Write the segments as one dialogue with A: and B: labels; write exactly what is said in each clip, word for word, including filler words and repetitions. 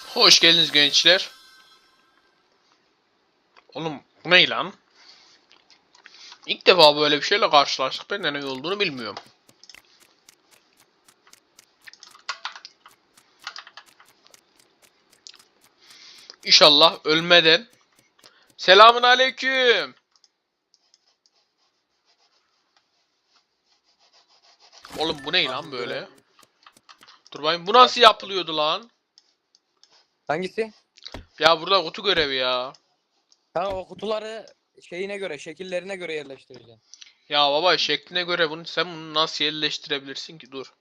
A: Hoş geldiniz gençler. Oğlum bu ne lan? İlk defa böyle bir şeyle karşılaştık. Ben de ne olduğunu bilmiyorum. İnşallah ölmeden. Selamun aleyküm. Oğlum bu ne lan böyle? Dur bakayım, bu nasıl yapılıyordu lan?
B: Hangisi?
A: Ya burada kutu görevi ya.
B: Ha, o kutuları şeyine göre, şekillerine göre yerleştireceksin.
A: Ya baba, şekline göre bunu sen bunu nasıl yerleştirebilirsin ki? Dur.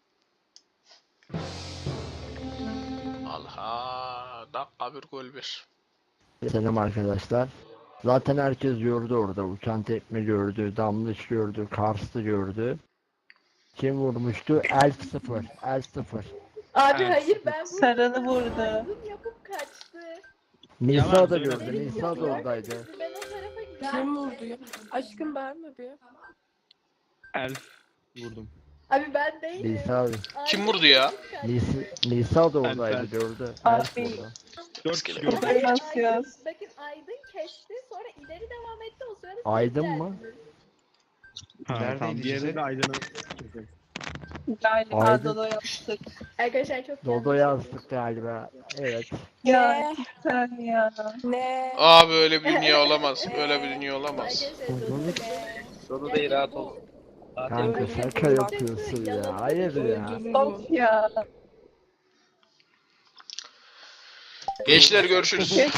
A: Allah, dakika bir gol bir.
C: Selam arkadaşlar. Zaten herkes gördü orada. Uçan tekme gördü, Damlış gördü, Kars'ı gördü. Kim vurmuştu? Elf sıfır. Elf sıfır.
D: Abi
A: Evet.
D: hayır ben bu
E: Sarılı vurdu.
D: Maymun yapıp kaçtı.
C: Nisa da
F: söyleme.
C: gördü. Nisa da oradaydı.
D: Ben o tarafa gittim.
G: Kim vurdu ya? Aşkım bağırma bir.
F: Elf vurdum.
D: Abi ben değilim.
C: Nisa,
D: Aydın
A: Kim vurdu ya?
D: kaçtı.
C: Nisa, Nisa da oradaydı,
F: Elf.
C: gördü.
E: Abi.
C: Elf vurdu.
F: Dört kişi
A: Bakın,
F: gördüm.
D: Hayır,
E: Nasıl
D: Aydın-
E: yaz?
D: Bakın Aydın kesti, sonra ileri devam etti, o sırada
C: Aydın
D: ses
C: mı?
D: geldi.
F: Ha,
H: Neredeydi
F: tamam. Diğeri
H: ceset?
F: de Aydın'ı kesin.
E: Galiba
C: Aydın.
E: Dodo yaptık.
D: Arkadaşlar çok
C: Dodo
D: yanlış.
C: yazdık galiba. Evet.
E: Ya
G: Ne?
E: sen ya.
G: Ne?
A: Aa, böyle bir dünya olamaz. Böyle bir dünya olamaz.
D: Arkadaşlar Dodo be.
B: Dodo değil, rahat ol.
C: Kanka şaka yapıyorsun ya. Hayır ya.
E: Of ya.
A: Gençler görüşürüz.